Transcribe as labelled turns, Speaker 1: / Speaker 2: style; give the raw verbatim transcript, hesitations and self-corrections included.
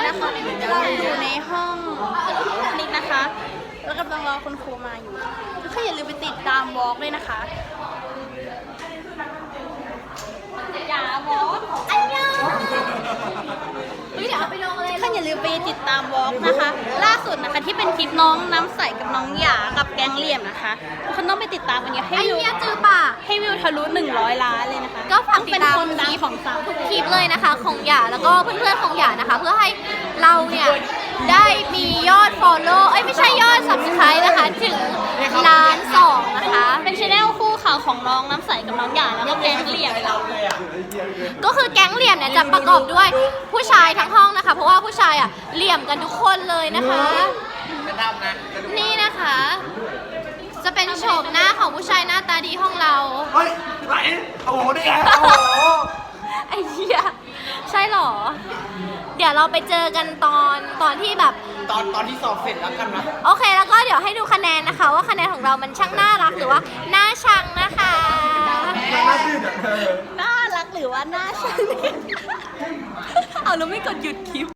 Speaker 1: นะคะเราอยู่ในห้องนิกนะคะแล้วกำลังรอคุณครูมาอยู่ทุกคนอย่าลืมไปติดตามวอล์กด้วยนะคะอย่าวอล์กอันยองเดี๋ยวเอาไปลงเลยทุกคนอย่าลืมไปติดตามวอล์กนะคะล่าสุดนะคะที่เป็นคลิปน้องน้ำใสกับน้องหยากับแก๊งเหลี่ยมนะคะทุกคนต้องไปติดตามกันเยอะให้วิวจือป่ะให้วิวทะลุหนึ่งร้อยล้านเลยนะคะ
Speaker 2: ก็ฝากติดตาม
Speaker 1: เป็นคนดังของสาวทุก
Speaker 2: คลิปเลยนะคะของหยาแล้วก็เพื่อนๆของหยานะคะเพื่อให้เราเนี่ยได้มียอด follow เอ้ยไม่ใช่ยอด subscribe นะคะถึงล้านสองนะคะ
Speaker 1: เป็นชแนลคู่ข่าวของน้องน้ำใสกับน้องหยาแล้วก็แก๊งเหลี่ยม
Speaker 2: ก็คือแก๊งเหลี่ยมเนี่ยจะประกอบด้วยผู้ชายทั้งห้องนะคะเพราะว่าผู้ชายอ่ะเหลี่ยมกันทุกคนเลยนะคะนี่นะคะ จะเป็นโฉมหน้าของผู้ชายหน้าตาดีห้องเรา
Speaker 3: เฮ้ยไหนโอ้โหนี่ไงโอ้โห
Speaker 2: ไอ้เหี้ยใช่เหรอ เดี๋ยวเราไปเจอกันตอนตอนที่แบบ
Speaker 3: ตอนตอนที่สอบเสร็จแล้วกันนะ
Speaker 2: โอเคแล้วก็เดี๋ยวให้ดูคะแนนนะคะ ว่าคะแนนของเรามันช่างน่ารักหรือว่าน่าชังนะคะ
Speaker 3: น่าชื่นอ่ะเธอ
Speaker 1: น่ารักหรือว่าน่าชังเอาแล้วไม่กดหยุดคลิป